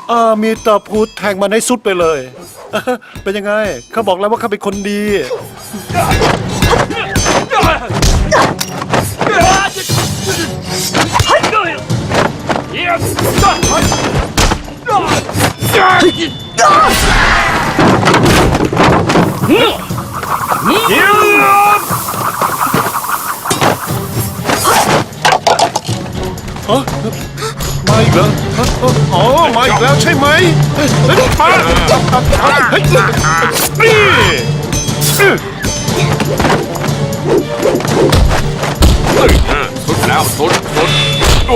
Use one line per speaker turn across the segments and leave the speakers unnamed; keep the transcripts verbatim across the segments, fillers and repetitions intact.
อามีตาพูดแทงมันให้สุดไปเลย เป็นยังไงข้าบอกแล้วว่าข้าเป็นคนดีฮะมาอีกแล้วอ๋อมาอีกแล้วใช่ไหมเฮ้ยมาเฮ้ยนี่
สุดแล้วสุดสุดโอ้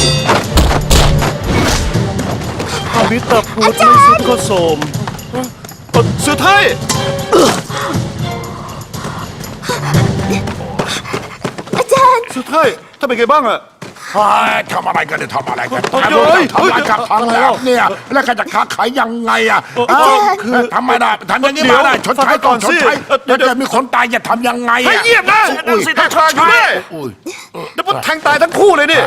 อามิตาพูดไม่สุดก็โสมสุดท้าย
อาจารย์
สุดท้ายถ้าเป็นไงบ้างอะ
ทำอะไรกันเนี่ยทำอะไรกัน
เฮ้ย
ทำอะไรทำอะไรกับทำแบบเนี่ยแล้วก็จะค้าขายยังไงอ่ะทำไมได้ทำอย่างนี้มาได้ชดใช้ก่อนชดใช้เดี๋ยวจะมีคนตายจะทำยังไงอ่ะ
เงียบนะสิทางอยู่ด้วยแล้วมันแทงตายทั้งคู่เลยนี่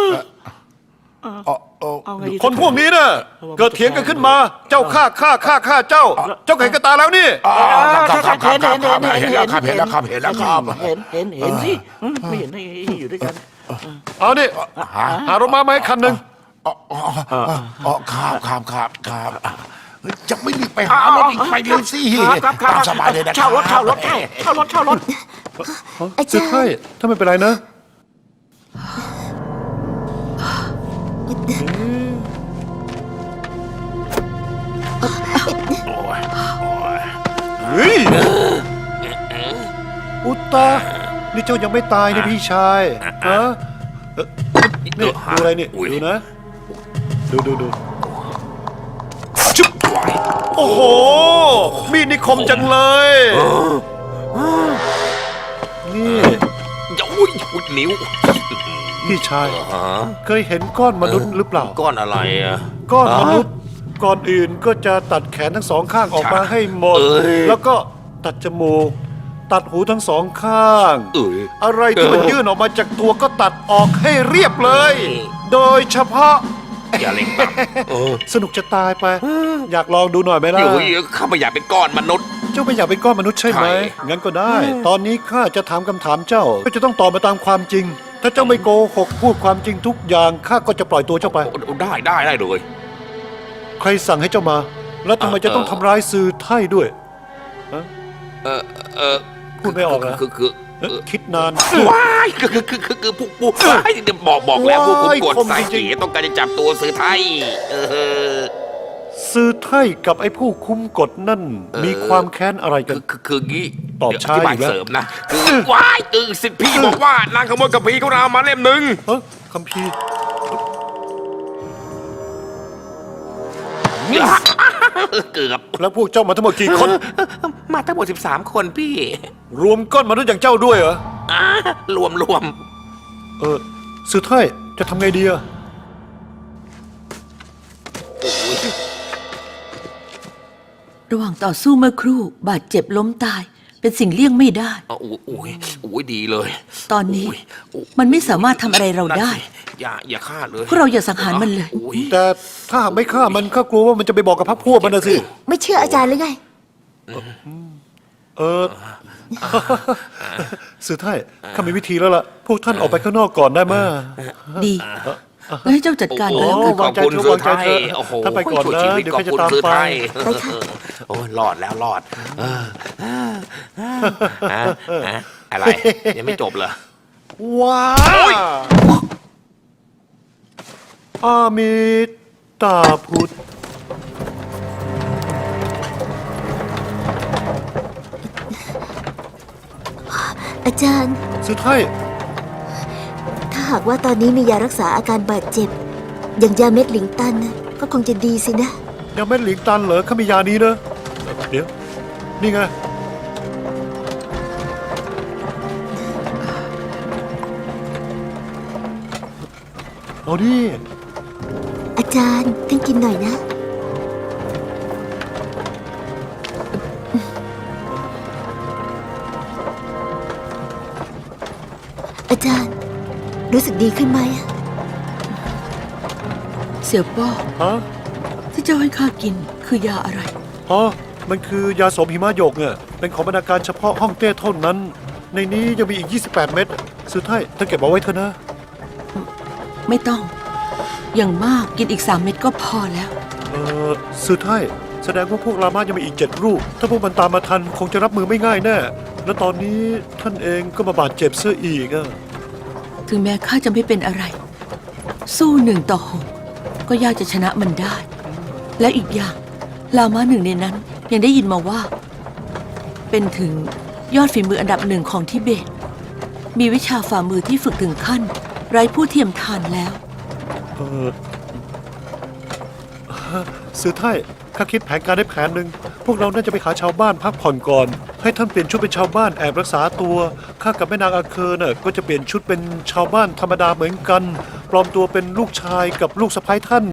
คนพวกนี้น่ะเกิดเถียงกันขึ้นมาเจ้าฆ่าฆ่าฆ่าฆ่าเจ้าเจ้าเห็นกับตาแล้วนี่
ครับครับครับครับเห็นแล้วครับเห็นแล้วครับเห็นแล้วครับ
เห็นเห็นเห็นสิไม่เห็นให้อยู่ด้วยกัน
เอาดิหารถม้ามาให้คันหนึ่ง
อ๋อครับครับครับครับจะไม่รีบไปหารถอีกไปเร็วสิ
ครับครับ
สบายเลยนะ
เช่ารถเช่ารถเช่ารถเช่ารถ
สุดท้ายถ้าไม่เป็นไรนะเฮ้ยอุตตานี่เจ้ายังไม่ตายนะพี่ชายฮะนี่ดูอะไรนี่ดูนะดูดูดูชุบโอ้โหมีดนี่คมจังเลยนี่
อย่าอุ้ยอุ้ยนิ้ว
พี่ชายเคยเห็นก้อนมนุษย์หรือเปล่า
ก้อนอะไรอ่ะ
ก้อนมนุษย์ก่อนอื่นก็จะตัดแขนทั้งสองข้างออกมาให้หมดแล้วก็ตัดจมูกตัดหูทั้งสองข้างอะไรที่มันยื่นออกมาจากตัวก็ตัดออกให้เรียบเลยโดยเฉพาะ
อย่าเล่น
สนุกจะตายไปอยากลองดูหน่อยไหมล่ะ
ข้าไม่อยากเป็นก้อนมนุษย์
เจ้าไม่อยากเป็นก้อนมนุษย์ใช่ไหมงั้นก็ได้ตอนนี้ข้าจะถามคำถามเจ้าก็จะต้องตอบมาตามความจริงถ้าเจ้าไม่โกหกพูดความจริงทุกอย่างข้าก็จะปล่อยตัวเจ้าไป
ได้ได้ได้เลย
ใครสั่งให้เจ้ามาแล้วทำไมจะต้องทำร้ายซือไท่ด้วย
เออเออ
พูดไม่ออกนะ
คือคือ
คิดนาน
ว้ายคือคือคือคือคือพวกพวกบอกบอกแล้วพวกคุมกดสายเก๋ต้องการจะจับตัวซือไท่
ซือไท่กับไอ้ผู้คุมกฎนั่นมีความแค้นอะไรกัน
คือคืองี้
ตอบช้าอีกแล้ว
เสริมนะคือว้ายคือสิทธิพี่บอกว่านางขโมยกัมพีเขาเอามาเล่มหนึ่ง
เฮ้ยคัมภีร์
เกือบ
แล้วพวกเจ้ามาทั้งหมดกี่คน
มาทั้งหมดสิบสามคนพี่
รวมก้อนมนุษย์อย่างเจ้าด้วยเหรอ
รวมรวม
เออซือไท่จะทำไงดีอะ
ระหว่างต่อสู้เมื่อครู่บาดเจ็บล้มตายเป็นสิ่งเลี่ยงไม่ได้
โอ้ยโอ้ยโอ้ยดีเลย
ตอนนี้มันไม่สามารถทำอะไรเราได้
อย่าอย่าฆ่าเลย
พวกเราอย่าสังหารมันเลย
แต่ถ้าหากไม่ฆ่ามันก็กลัวว่ามันจะไปบอกกับพรรคพวกมันนะสิ
ไม่เชื่ออาจารย์หรือไง
เออซือไท่ข้ามีวิธีแล้วล่ะพวกท่านออกไปข้างนอกก่อนได้ไหม
ดีให้เจ้าจัดการแล้ว
ขอบคุณซือไท่โอ้โห
ท่านไปก่อนนะเดี๋ยวข้าจะตามไป
โอ้ยรอดแล้วรอดอะไรยังไม่จบเหรอ
ว้าวอามิตาพุทธ
อาจารย์
สุดท้าย
ถ้าหากว่าตอนนี้มียารักษาอาการบาดเจ็บอย่างยาเม็ดหลิงตันนะก็คงจะดีสินะ
ยาเม็ดหลิงตันเหรอข้ามียานี้นะเดี๋ยวนี่ไงเอาดิ
อาจารย์ท่านกินหน่อยนะอาจารย์รู้สึกดีขึ้นไหม
เสี่ยวป้อ
ฮะ
ที่เจ้าให้ข้ากินคือยาอะไร
อ๋อ มันคือยาสมหิมะหยกเนี่ยเป็นของบรรณาการเฉพาะห้องเต้เท่านั้น ในนี้ยังมีอีก ยี่สิบแปด เม็ดสุดท้ายเธอเก็บเอาไว้เถอะนะ
ไม่ต้อง อย่างมากกินอีกสามเม็ดก็พอแล้ว
เออสุดท้ายแสดงว่าพวกรามายังมีอีกเจ็ดรูป ถ้าพวกมันตามมาทันคงจะรับมือไม่ง่ายแน่ และตอนนี้ท่านเองก็มาบาดเจ็บเสื้ออีกอะ
ถึงแม้ข้าจะไม่เป็นอะไร สู้หนึ่งต่อหกก็ยากจะชนะมันได้ และอีกอย่างลามาหนึ่งในนั้นยังได้ยินมาว่า เป็นถึงยอดฝีมืออันดับหนึ่งของทิเบต มีวิชาฝ่ามือที่ฝึกถึงขั้น ไร้ผู้เทียมทานแล้ว
เออสุดท้ายข้าคิดแผนการได้แผนหนึ่งพวกเราน่าจะไปหาชาวบ้านพักผ่อนก่อน ให้ท่านเปลี่ยนชุดเป็นชาวบ้านแอบรักษาตัวข้ากับแม่นางอาเคอร์น่ะก็จะเปลี่ยนชุดเป็นชาวบ้านธรรมดาเหมือนกัน ปลอมตัวเป็นลูกชายกับลูกสะใภ้ท่าน